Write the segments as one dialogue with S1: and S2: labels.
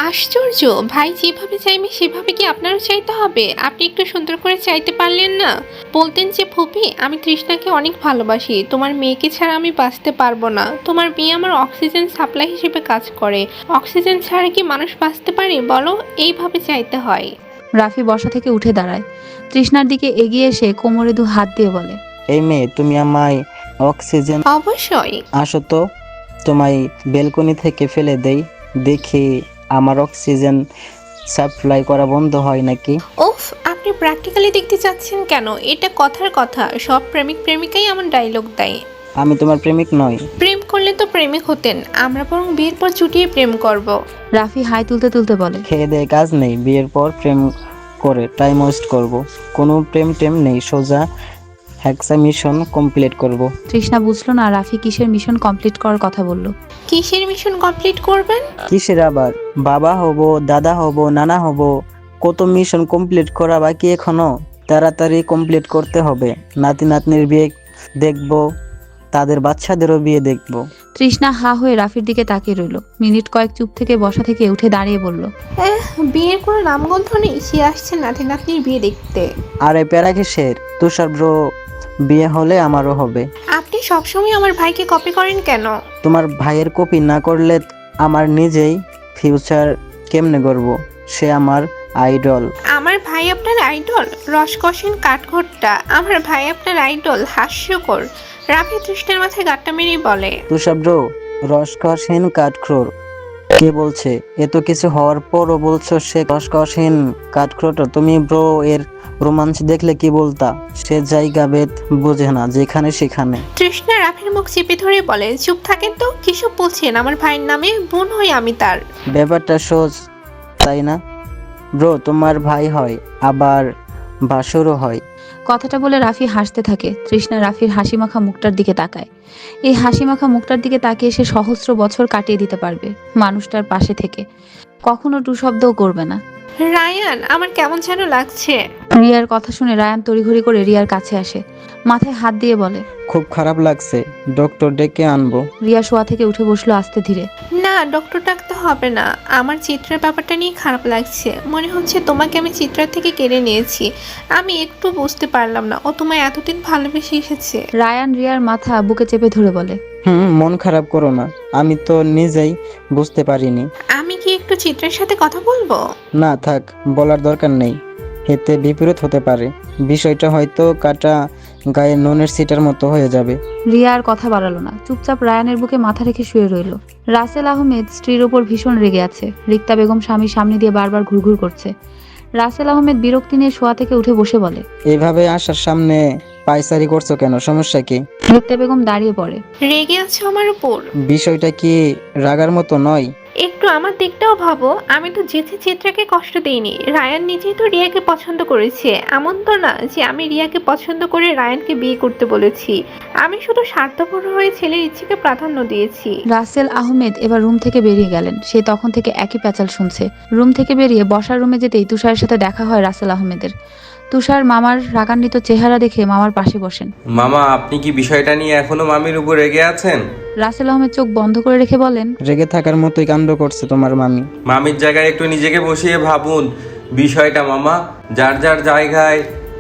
S1: আশ্চর্য! ভাই যেভাবে চাইবে সেভাবে কি আপনারও চাইতে হবে? আপনি একটু সুন্দর করে চাইতে পারলেন না? বলতেন যে ফুপি, আমি তৃষ্ণাকে অনেক ভালোবাসি, তোমার মেয়েকে ছাড়া আমি বাঁচতে পারবো না। তোমার মেয়ে আমার অক্সিজেন সাপ্লাই হিসেবে কাজ করে। অক্সিজেন ছাড়া কি মানুষ বাঁচতে পারে বলো? এইভাবে চাইতে হয়।
S2: রাফি বসা থেকে উঠে দাঁড়ায়, তৃষ্ণার দিকে এগিয়ে এসে কোমরে দু হাত দিয়ে বলে,
S3: এই মেয়ে, তুমি আমায় অক্সিজেন
S1: অবশ্যই।
S3: আসো তো, তোমায় বেলকনি থেকে ফেলে দেই, দেখি আমার অক্সিজেন সাপ্লাই করা বন্ধ হয় নাকি।
S1: উফ, আপনি প্র্যাকটিক্যালি দেখতে চাচ্ছেন কেন? এটা কথার কথা, সব প্রেমিক প্রেমিকাই এমন ডায়লগ দেয়।
S3: আমি তোমার প্রেমিক নই।
S1: প্রেম করলে তো প্রেমিক হতেন, আমরা বরং বিয়ের পর চুটিয়ে প্রেম করব।
S2: রাফি হাই তুলতে তুলতে বলে,
S3: খেয়ে দেয়ে কাজ নেই, বিয়ের পর প্রেম করে টাইম ওয়েস্ট করব। কোনো প্রেম টেম নেই, সোজা হ্যাক্সা মিশন কমপ্লিট করব।
S2: তৃষ্ণা বুঝলো না রাফি কিসের মিশন কমপ্লিট করার কথা বলল।
S1: কিসের মিশন কমপ্লিট করবেন?
S3: কিসের আবার? বাবা হব, দাদা হব, নানা হব, কত মিশন কমপ্লিট করা বাকি এখনো। তাড়াতাড়ি কমপ্লিট করতে হবে। নাতি নাতনির বিয়ে দেখব, তাদের বাচ্চাদেরও বিয়ে দেখব।
S2: তৃষ্ণা হা হয়ে রাফির দিকে তাকিয়ে রইল। মিনিট কয়েক চুপ থেকে বসা থেকে উঠে দাঁড়িয়ে বলল,
S1: বিয়ের কোনো নামগন্ধ নেই, সে আসছে নাতি নাতনির বিয়ে দেখতে।
S3: আরে প্যারা কিসের? তুষার ব্রো বিয়ে হলে আমারও হবে।
S1: আপনি সবসময় আমার ভাইকে কপি করেন কেন?
S3: তোমার ভাইয়ের কপি না করলে আমার নিজেই ফিউচার কেমনে করব? সে আমার আইডল।
S1: আমার ভাই আপনার আইডল? রসকসিন কাঠঘোট্টা, আমার ভাই আপনার আইডল? হাস্যকর। রাফি তৃষ্ণার মাথায় গাট্টা মেরেই বলে,
S3: তুষার ব্রো রসকসহীন কাঠখোর? কে বলছে? এত কিছু হওয়ার পরও বলছো সে রসকসহীন কাঠখোর? তুমি ব্রো এর রোমাঞ্চ দেখলে কি বলতা? সে জায়গা ভেদ বোঝে না, যেখানে সেখানে।
S1: তৃষ্ণা রাফির মুখ চেপে ধরে বলে, চুপ থাকেন তো, কিসব বলছেন? আমার ভাইয়ের নামে বোন হই আমি তার।
S3: ব্যাপারটা সোজ, তাই না? ব্রো তোমার ভাই হয়, আবার ভাসুরও হয়।
S2: কথাটা বলে রাফি হাসতে থাকে। তৃষ্ণা রাফির হাসিমাখা মুখটার দিকে তাকায়। এই হাসিমাখা মুখটার দিকে তাকিয়ে সে সহস্র বছর কাটিয়ে দিতে পারবে মানুষটার পাশে থেকে, কখনো টু শব্দও করবে না।
S1: রায়ান, আমার কেমন যেন লাগছে।
S2: রিয়ার কথা শুনে রায়ান তড়িঘড়ি করে রিয়ার কাছে আসে, মাথায় হাত দিয়ে বলে,
S3: খুব খারাপ লাগছে, ডক্টর ডেকে আনবো।
S2: রিয়া শোয়া থেকে উঠে বসলো আস্তে ধীরে।
S1: না, ডক্টর ডাকতে হবে না। আমার চিত্রের ব্যাপারটা নিয়ে খারাপ লাগছে। মনে হচ্ছে তোমাকে আমি চিত্রার থেকে কেড়ে নিয়েছি। আমি একটু বুঝতে পারলাম না ও তোমায় এতদিন ভালোবেসে এসেছে।
S2: রায়ান রিয়ার মাথা বুকে চেপে ধরে বলে,
S3: মন খারাপ করো না, আমি তো নিজেই বুঝতে পারিনি।
S1: আমি কি একটু চিত্রের সাথে কথা বলবো?
S3: না থাক, বলার দরকার নেই, এতে বিপরীত হতে পারে। বিষয়টা হয়তো কাটা গায়ে নুনের সিটার মতো হয়ে যাবে।
S2: রিয়া আর কথা বাড়ালো না, চুপচাপ রায়ানের বুকে মাথা রেখে শুয়ে রইল। রাসেল আহমেদ স্ত্রীর ওপর ভীষণ রেগে আছে। রিক্তা বেগম স্বামীর সামনে দিয়ে বারবার ঘুরঘুর করছে। রাসেল আহমেদ বিরক্তি নিয়ে শোয়া থেকে উঠে বসে বলে,
S3: এইভাবে আসার সামনে পায়চারি করছো কেন? সমস্যা কি?
S2: রিক্তা বেগম দাঁড়িয়ে পড়ে।
S1: রেগে আছো আমার উপর?
S3: বিষয়টা কি রাগার মতো নয়?
S1: একটু আমার দিকটাও ভাবো। আমি তো যেচে চিত্রাকে কষ্ট দেইনি। রায়ান নিজেই তো রিয়াকে পছন্দ করেছে। এমন তো না যে আমি রিয়াকে পছন্দ করে রায়ানকে বিয়ে করতে বলেছি। আমি শুধু স্বার্থপর হয়ে ছেলের ইচ্ছেকে প্রাধান্য দিয়েছি।
S2: রাসেল আহমেদ এবার রুম থেকে বেরিয়ে গেলেন। সে তখন থেকে একই প্যাচাল শুনছে। রুম থেকে বেরিয়ে বসার রুমে যেতেই তুষারের সাথে দেখা হয় রাসেল আহমেদের। তুষার মামার রাগান্বিত চেহারা দেখে মামার পাশে বসেন।
S4: মামা, আপনি কি বিষয়টা নিয়ে এখনো মামির উপর রেগে আছেন?
S2: রাসেল আহমেদ চোখ বন্ধ করে রেখে বলেন,
S3: রেগে থাকার মতোই কাণ্ড করছে তোমার মামি।
S4: মামির জায়গায় একটু নিজেকে বসিয়ে ভাবুন বিষয়টা। মামা, যার যার জায়গায়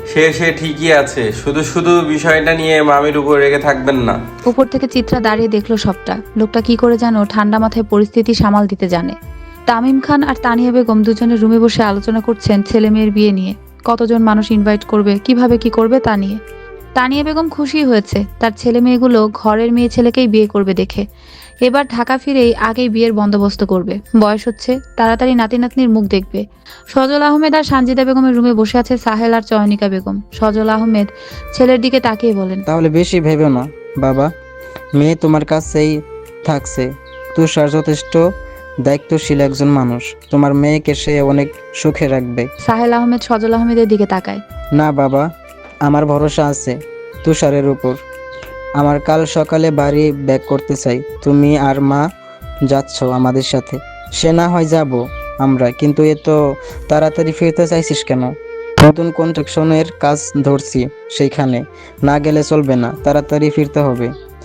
S4: সে ঠিকই আছে, শুধু শুধু বিষয়টা নিয়ে মামির উপর রেগে থাকবেন না।
S2: উপর থেকে চিত্রা দাঁড়িয়ে দেখলো সবটা। লোকটা কি করে যেন ঠান্ডা মাথায় পরিস্থিতি সামাল দিতে জানে। তামিম খান আর তানিয়া বেগম দুজনে রুমে বসে আলোচনা করছেন ছেলে মেয়ের বিয়ে নিয়ে। কতজন মানুষ ইনভাইট করবে, কিভাবে কি করবে তা নিয়ে। তানিয়া বেগম খুশি হয়েছে তার ছেলে মেয়েগুলো ঘরের মেয়ে ছেলেকেই বিয়ে করবে দেখে। এবার ঢাকা ফিরেই আগেই বিয়ের বন্দোবস্ত করবে। বয়স হচ্ছে, তাড়াতাড়ি নাতি নাতনির মুখ দেখবে। সজল আহমেদ আর সানজিদা বেগমের রুমে বসে আছে সাহেল আর চয়নিকা বেগম। সজল আহমেদ ছেলের দিকে তাকিয়ে বলেন,
S3: তাহলে বেশি ভেবে না বাবা, মেয়ে তোমার কাছেই থাকছে। তুষার যথেষ্ট দায়িত্বশীল একজন মানুষ, তোমার মেয়েকে সে অনেক সুখে রাখবে।
S2: সাহেল আহমেদ সজল আহমেদের দিকে তাকায়।
S3: না বাবা, আমার ভরসা আছে তুষারের উপর। আমার কাল সকালে বাড়ি ব্যাক করতে চাই। তুমি আর মা যাচ্ছ আমাদের সাথে? সে না হয় যাব আমরা, কিন্তু এত তাড়াতাড়ি ফিরতে চাইছিস কেন? নতুন কনস্ট্রাকশনের কাজ ধরছি, সেইখানে না গেলে চলবে না, তাড়াতাড়ি ফিরতে হবে।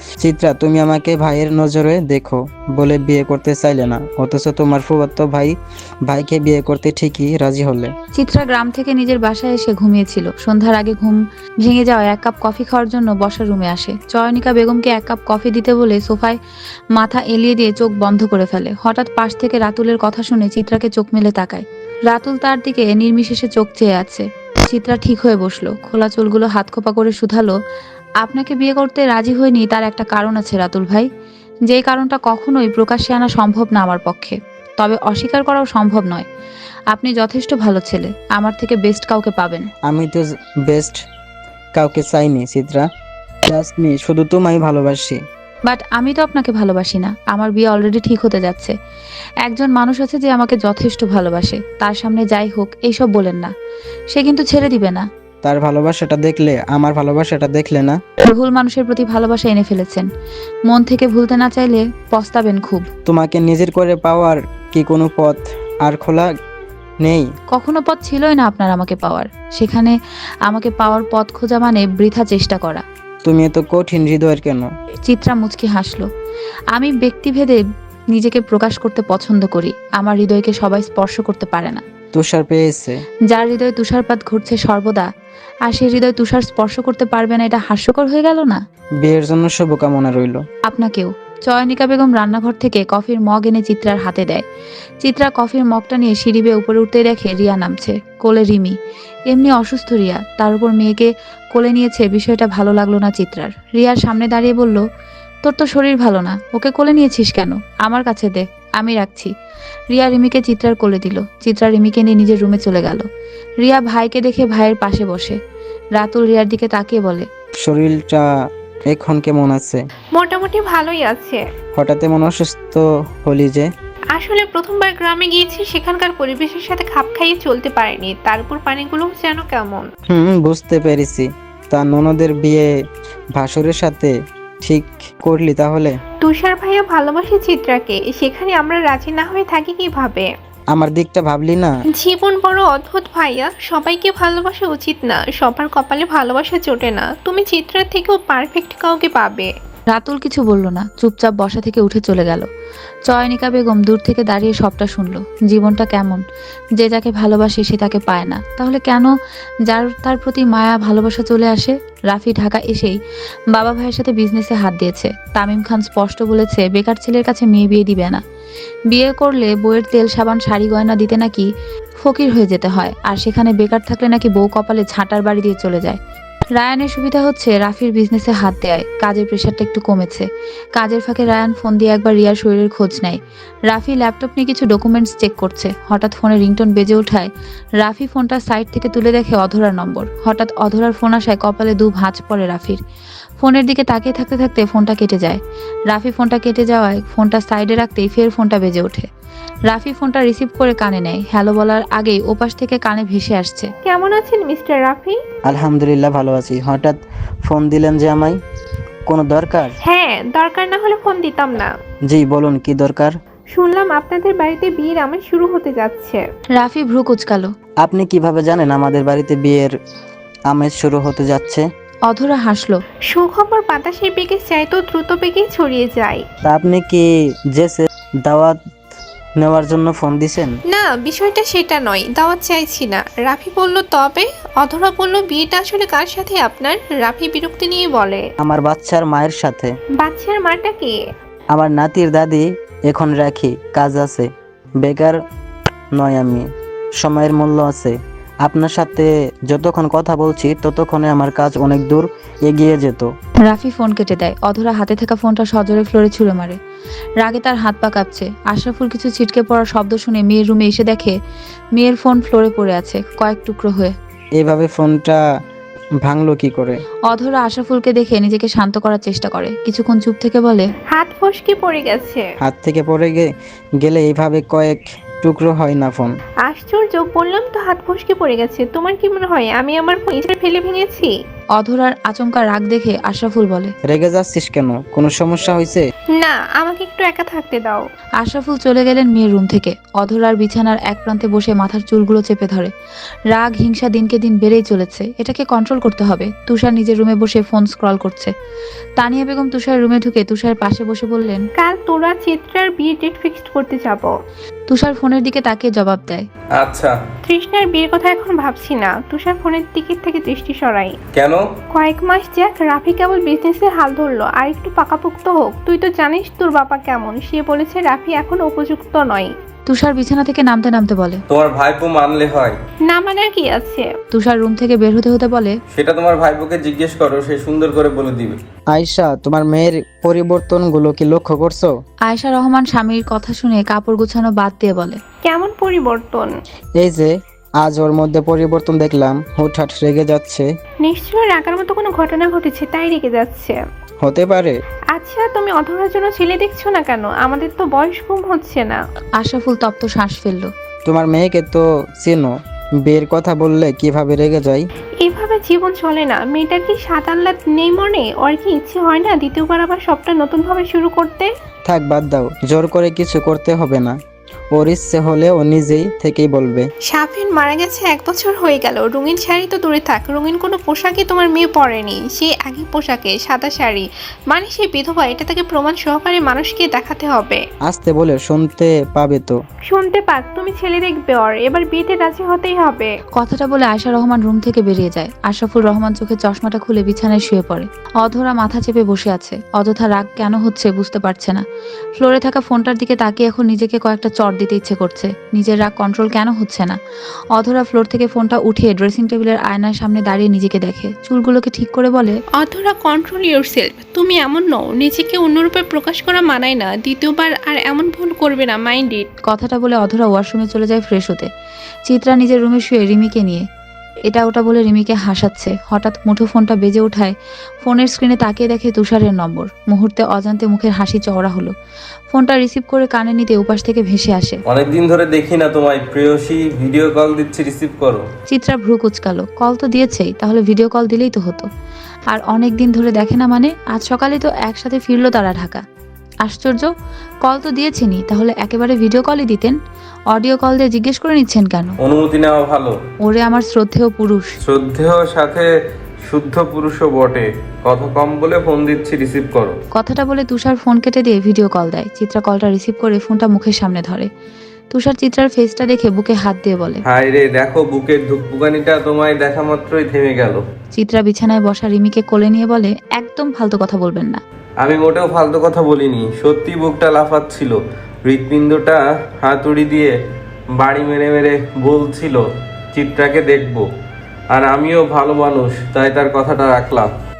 S3: চিত্রা, তুমি আমাকে ভাইয়ের নজরে দেখো বলে বিয়ে করতে চাইলে না, অথচ তোমার ফুফাতো ভাইকে বিয়ে করতে ঠিকই রাজি হলে।
S2: চিত্রা গ্রাম থেকে নিজের বাসায় এসে ঘুমিয়েছিল। সন্ধ্যার আগে ঘুম ভেঙে যাওয়ায় 1 কাপ কফি খাওয়ার জন্য বসার রুমে আসে। চয়নিকা বেগমকে 1 কাপ কফি দিতে বলে সোফায় মাথা এলিয়ে দিয়ে চোখ বন্ধ করে ফেলে। হঠাৎ পাশ থেকে রাতুলের কথা শুনে চিত্রাকে চোখ মেলে তাকায়। রাতুল তার দিকে নির্বিশেষে চোখ চেয়ে আছে। চিত্রা ঠিক হয়ে বসলো, খোলা চুলগুলো হাত খোপা করে শুধালো, আপনাকে বিয়ে করতে রাজি হয়নি তার একটা কারণ আছে রাতুল ভাই, যেই কারণটা কখনোই প্রকাশ্যে আনা সম্ভব না আমার পক্ষে, তবে অস্বীকার করাও সম্ভব নয়। আপনি যথেষ্ট ভালো ছেলে, আমার থেকে বেস্ট কাউকে পাবেন।
S3: আমি তো বেস্ট কাউকে চাইনি চিত্রা, জাস্ট মি, শুধু তোমায় ভালোবাসি।
S2: বাট আমি তো আপনাকে ভালোবাসি না। আমার বিয়ে অলরেডি ঠিক হতে যাচ্ছে। একজন মানুষ আছে যে আমাকে যথেষ্ট ভালোবাসে, তার সামনে যাই হোক এইসব বলেন না। সে কিন্তু ছেড়ে দিবে না।
S3: তার ভালোবাসাটা দেখলে, আমার ভালোবাসাটা দেখলে না?
S2: ভুল মানুষের প্রতি ভালোবাসা এনে ফেলেছেন। মন থেকে ভুলতে না চাইলে পস্তাবেন খুব।
S3: তোমাকে নিজের করে পাওয়ার কি কোনো পথ আর খোলা নেই?
S2: কখনো পথ ছিলই না আপনার আমাকে পাওয়ার। সেখানে আমাকে পাওয়ার পথ খোঁজা মানে বৃথা চেষ্টা করা।
S3: তুমি এত কঠিন হৃদয়ের কেন?
S2: চিত্রা মুচকি হাসলো। আমি ব্যক্তিভেদে নিজেকে প্রকাশ করতে পছন্দ করি। আমার হৃদয়কে সবাই স্পর্শ করতে পারে না।
S3: তুষার পেয়েছে।
S2: যার হৃদয়ে তুষারপাত ঘটছে সর্বদা, আর সেই হৃদয় তুষার স্পর্শ করতে পারবে না, এটা হাস্যকর হয়ে গেল না?
S3: বিয়ের জন্য শুভকামনা রইল।
S2: আপনাকেও। চয়নিকা বেগম রান্নাঘর থেকে কফির মগ এনে চিত্রার হাতে দেয়। চিত্রা কফির মগটা নিয়ে সিঁড়ি বেয়ে উপরে উঠতেই দেখে রিয়া নামছে, কোলে রিমি। এমনি অসুস্থ রিয়া, তার উপর মেয়েকে কোলে নিয়েছে, বিষয়টা ভালো লাগলো না চিত্রার। রিয়ার সামনে দাঁড়িয়ে বলল, তোর তো শরীর ভালো না, ওকে কোলে নিয়েছিস কেন? আমার কাছে দে, আমি রাখছি। রিয়া রিমিকে চিত্রার কোলে দিল। চিত্রা রিমিকে নিয়ে নিজের রুমে চলে গেল। রিয়া ভাইকে দেখে ভাইয়ের পাশে বসে। রাতুল রিয়ার দিকে তাকিয়ে বলে,
S3: শরীরটা এখন কেমন আছে?
S1: মোটামুটি ভালোই আছে।
S3: হঠাৎ এমন অসুস্থ হলি যে?
S1: আসলে প্রথমবার গ্রামে গিয়েছি, সেখানকার পরিবেশের সাথে খাপ খাইয়ে চলতে পারিনি, তার উপর পানিগুলো যেন কেমন।
S3: বুঝতে পেরেছি। তা ননদের বিয়ে ভাসুরের সাথে ঠিক করলি তাহলে?
S1: তুষার ভাইয়া ভালোবাসে চিত্রাকে, সেখানে আমরা রাজি না হয়ে থাকি কিভাবে?
S3: আমার দিকটা ভাবলি না?
S1: জীবন বড় অদ্ভুত ভাইয়া, সবাইকে ভালোবাসা উচিত না, সবার কপালে ভালোবাসা জোটে না। তুমি চিত্রার থেকেও পারফেক্ট কাউকে পাবে।
S2: রাতুল কিছু বলল না, চুপচাপ বসা থেকে উঠে চলে গেল। চয়নিকা বেগম দূর থেকে দাঁড়িয়ে সবটা শুনল। জীবনটা কেমন, যে যাকে ভালোবাসে সে তাকে পায় না, তাহলে কেন যার তার প্রতি মায়া ভালোবাসা চলে আসে? রাফি ঢাকা এসেই বাবা ভাইয়ের সাথে বিজনেসে হাত দিয়েছে। তামিম খান স্পষ্ট বলেছে বেকার ছেলের কাছে মেয়ে বিয়ে দিবে না। বিয়ে করলে বউয়ের তেল সাবান শাড়ি গয়না দিতে নাকি ফকির হয়ে যেতে হয়, আর সেখানে বেকার থাকলে নাকি বউ কপালে ঝাঁটার বাড়ি দিয়ে চলে যায়। রায়ানের সুবিধা হচ্ছে রাফির বিজনেসে হাত দেয়, কাজের প্রেশারটা একটু কমেছে। কাজের ফাঁকে রায়ান ফোন দিয়ে একবার রিয়ার শরীরের খোঁজ নেয়। রাফি ল্যাপটপ নিয়ে কিছু ডকুমেন্টস চেক করছে। হঠাৎ ফোনে রিংটোন বেজে ওঠায় রাফি ফোনটা সাইড থেকে তুলে দেখে অধরার নম্বর। হঠাৎ অধরার ফোন আসায় কপালে দু ভাঁজ পড়ে রাফির। ফোনের দিকে তাকিয়ে থাকতে থাকতে ফোনটা কেটে যায়। রাফি ফোনটা কেটে যাওয়ায় ফোনটা সাইডে রাখতেই ফের ফোনটা বেজে ওঠে। রাফি ফোনটা রিসিভ করে কানে নেয়। হ্যালো বলার আগেই ওপাশ থেকে কানে ভেসে আসছে,
S1: কেমন আছেন মিস্টার রাফি?
S3: আলহামদুলিল্লাহ ভালো আছি। হঠাৎ ফোন দিলেন যে আমায়, কোনো দরকার?
S1: হ্যাঁ, দরকার না হলে ফোন দিতাম না।
S3: জি বলুন, কি দরকার?
S1: শুনলাম আপনাদের বাড়িতে বিয়ের আমেজ শুরু হতে যাচ্ছে।
S2: রাফি ভ্রু কুচকালো।
S3: আপনি কিভাবে জানেন আমাদের বাড়িতে বিয়ের আমেজ শুরু হতে যাচ্ছে?
S2: অধরা হাসলো।
S1: সুখবর বাতাসের বেগে চাইতো দ্রুত বেগে ছড়িয়ে যায়।
S3: তা আপনি কি জেসে দাওয়াত নেওয়ার জন্য ফোন দিছেন?
S1: না, বিষয়টা সেটা নয়, দাওয়াত চাইছি না। রাফি বলল তবে। অধরা বলল বিয়েটা আসলে কার সাথে আপনার? রাফি বিরক্তি নিয়ে বলে,
S3: আমার বাচ্চার মায়ের সাথে।
S1: বাচ্চার মাটা কে?
S3: আমার নাতির দাদি। এখন রাখি, কাজ আছে, বেকার নয় আমি, সময়ের মূল্য আছে। আপনার সাথে যতক্ষণ কথা বলছি ততক্ষণে আমার কাজ অনেক দূর এগিয়ে যেত।
S2: রাফি ফোন কেটে দেয়। অধরা হাতে থাকা ফোনটা সজোরে ফ্লোরে ছুঁড়ে মারে। রাগে তার হাত পা কাঁপছে। আশরাফুল কিছু ছিটকে পড়ার শব্দ শুনে মেয়ের রুমে এসে দেখে মেয়ের ফোন ফ্লোরে পড়ে আছে, কয়েক টুকরো হয়ে।
S3: এইভাবে ফোনটা ভাঙলো কি করে?
S2: অধরা আশরাফুলকে দেখে নিজেকে শান্ত করার চেষ্টা করে। কিছুক্ষণ চুপ থেকে বলে,
S1: হাত ফসকে পড়ে গেছে।
S3: হাত থেকে পড়ে গেলে এইভাবে কয়েক টুকরো হয় না ফোন।
S1: আশ্চর্য, বললাম তো হাত ফসকে পড়ে গেছে। তোমার কি মনে হয় আমি আমার ফোন ইচ্ছে ফেলে ভেঙেছি?
S2: অধরার আচমকা রাগ দেখে আশরাফুল বলে।
S3: রেগে যাচ্ছিস কেন? কোনো সমস্যা হয়েছে?
S1: না, আমাকে একটু একা থাকতে দাও।
S2: আশরাফুল চলে গেলেন মেয়ের রুম থেকে। অধরার বিছানার এক প্রান্তে বসে মাথার চুলগুলো চেপে ধরে। রাগ হিংসা দিনকে দিন বেড়েই চলেছে, এটাকে কন্ট্রোল করতে হবে। তুষার নিজের রুমে বসে ফোন স্ক্রল করছে। তানিয়া বেগম তুষারের রুমে ঢুকে তুষারের পাশে বসে বললেন।
S1: কাল তোরা চিত্রার বিয়ে ডেট ফিক্সড করতে যাব।
S2: তুষার ফোনের দিকে তাকিয়ে জবাব দেয়।
S4: আচ্ছা।
S1: তৃষ্ণার বিয়ের কথা এখন ভাবছি না। তুষার ফোনের দিকের থেকে দৃষ্টি সরাই।
S4: কেন?
S1: কয়েক মাস যাক, রাফি কেবল বিজনেসের হাল ধরলো, আর একটু পাকাপোক্ত হোক। তুই তো জানিস তোর বাবা কেমন, সে বলেছে রাফি এখন উপযুক্ত নয়।
S2: তুষার বিছানা থেকে নামতে নামতে বলে।
S4: তোমার ভাইপো মানলে হয়।
S1: না মানার কি আছে?
S2: তুষার রুম থেকে বের হতে হতে বলে।
S4: সেটা তোমার ভাইপোকে জিজ্ঞেস করো, সে সুন্দর করে বলে দিবে।
S3: আয়শা, তোমার মেয়ের পরিবর্তনগুলো কি লক্ষ্য করছো?
S2: আয়েশা রহমান স্বামীর কথা শুনে কাপড় গুছানো বাদ দিয়ে বলে।
S1: কেমন পরিবর্তন?
S3: এই যে আজ ওর মধ্যে পরিবর্তন দেখলাম, হুটহাট রেগে যাচ্ছে।
S1: নিশ্চয়ই রাগার মতো কোনো ঘটনা ঘটেছে, তাই রেগে যাচ্ছে।
S3: হতে পারে।
S1: আচ্ছা, তুমি অধরার জন্য ছেলে দেখছো না কেন? আমাদের তো বয়স কম হচ্ছে না।
S2: আশরাফুল তপ্ত শ্বাস ফেললো।
S3: তোমার মেয়েকে তো চেনো, বিয়ের কথা বললে কিভাবে রেগে যায়।
S1: এভাবে জীবন চলে না। মেয়েটার কি সাত আহ্লাদ নেই মনে? ওর কি ইচ্ছে হয় না দ্বিতীয়বার আবার সবটা নতুনভাবে শুরু করতে?
S3: থাক, বাদ দাও, জোর করে কিছু করতে হবে না। ওর ইচ্ছে হলে ও নিজেই থেকেই বলবে।
S1: শাফিন মারা গেছে 1 বছর হয়ে গেল। রঙিন শাড়ি তো দূরে থাক, রঙিন কোনো পোশাকই তোমার মেয়ে পরেনি। সে একই পোশাকে সাদা শাড়ি, মানে সে বিধবা। এটা তাকে প্রমাণ সহকারে মানুষকে দেখাতে হবে।
S3: আসতে বলে শুনতে পাবে তো।
S1: শুনতে পাক, তুমি ছেলে দেখবে ওর। এবার বিয়েতে রাজি হতেই হবে।
S2: কথাটা বলে আয়শা রহমান রুম থেকে বেরিয়ে যায়। আশরাফুল রহমান চোখে চশমাটা খুলে বিছানায় শুয়ে পড়ে। অধরা মাথা চেপে বসে আছে। অযথা রাগ কেন হচ্ছে বুঝতে পারছে না। ফ্লোরে থাকা ফোনটার দিকে তাকিয়ে এখন নিজেকে কয়েকটা চড় দিতে ইচ্ছে করছে। নিজের রাগ কন্ট্রোল কেন হচ্ছে না। অধরা ফ্লোর থেকে ফোনটা উঠিয়ে ড্রেসিং টেবিলের আয়নার সামনে দাঁড়িয়ে নিজেকে দেখে। চুলগুলোকে ঠিক করে বলে।
S1: অধরা, কন্ট্রোল ইউরসেলফ। তুমি এমন নও, নিজেকে অন্যরূপে প্রকাশ করা মানায় না। দ্বিতীয়বার আর এমন ভুল করবে না, মাইন্ড ইট।
S2: কথাটা বলে অধরা ওয়াশরুমে চলে যায় ফ্রেশ হতে। চিত্রা নিজের রুমে শুয়ে রিমিকে নিয়ে এটা ওটা বলে রিমিকে হাসাচ্ছে। হঠাৎ মুঠো ফোনটা বেজে ওঠায় ফোনের স্ক্রিনে তাকিয়ে দেখে তুষারের নম্বর। মুহূর্তে অজান্তে মুখের হাসি চওড়া হলো। ফোনটা রিসিভ করে কানে নিতে উপাস থেকে ভেসে আসে।
S4: অনেকদিন ধরে দেখি না তোমায়, প্রেয়সী। ভিডিও কল দিচ্ছি, রিসিভ করো।
S2: চিত্রা ভ্রু কুচকালো। কল তো দিয়েছেই, তাহলে ভিডিও কল দিলেই তো হতো। আর অনেক দিন ধরে দেখে না মানে? আজ সকালে তো একসাথে ফিরলো তারা ঢাকা। আশ্চর্য, কল তো দিয়েছেনই, তাহলে একেবারে ভিডিও কলই দিতেন। অডিও কল দিয়ে জিজ্ঞেস করে নিচ্ছেন কেন?
S4: অনুমতি নেওয়া ভালো।
S2: ওরে আমার শ্রদ্ধেয় পুরুষ।
S4: শ্রদ্ধেয় সাথে শুদ্ধ পুরুষও বটে। কথা কম বলে ফোন দিচ্ছি, রিসিভ করো।
S2: কথাটা বলে তুষার ফোন কেটে দিয়ে ভিডিও কল দেয়। চিত্রা কলটা রিসিভ করে ফোনটা মুখের সামনে ধরে। তুষার চিত্রার ফেসটা দেখে বুকে হাত দিয়ে বলে।
S4: হায় রে, দেখো বুকের ধুকপুকানিটা তোমায় দেখা মাত্রই থেমে গেল।
S2: চিত্রা বিছানায় বসা রিমিকে কোলে নিয়ে বলে, একদম ফালতু কথা বলবেন না।
S4: আমি মোটেও ফালতু কথা বলিনি, সত্যি বুকটা লাফাচ্ছিল। হৃৎপিণ্ডটা হাতুড়ি দিয়ে বাড়ি মেরে মেরে বলছিল চিত্রাকে দেখবো। আর আমিও ভালো মানুষ, তাই তার কথাটা রাখলাম।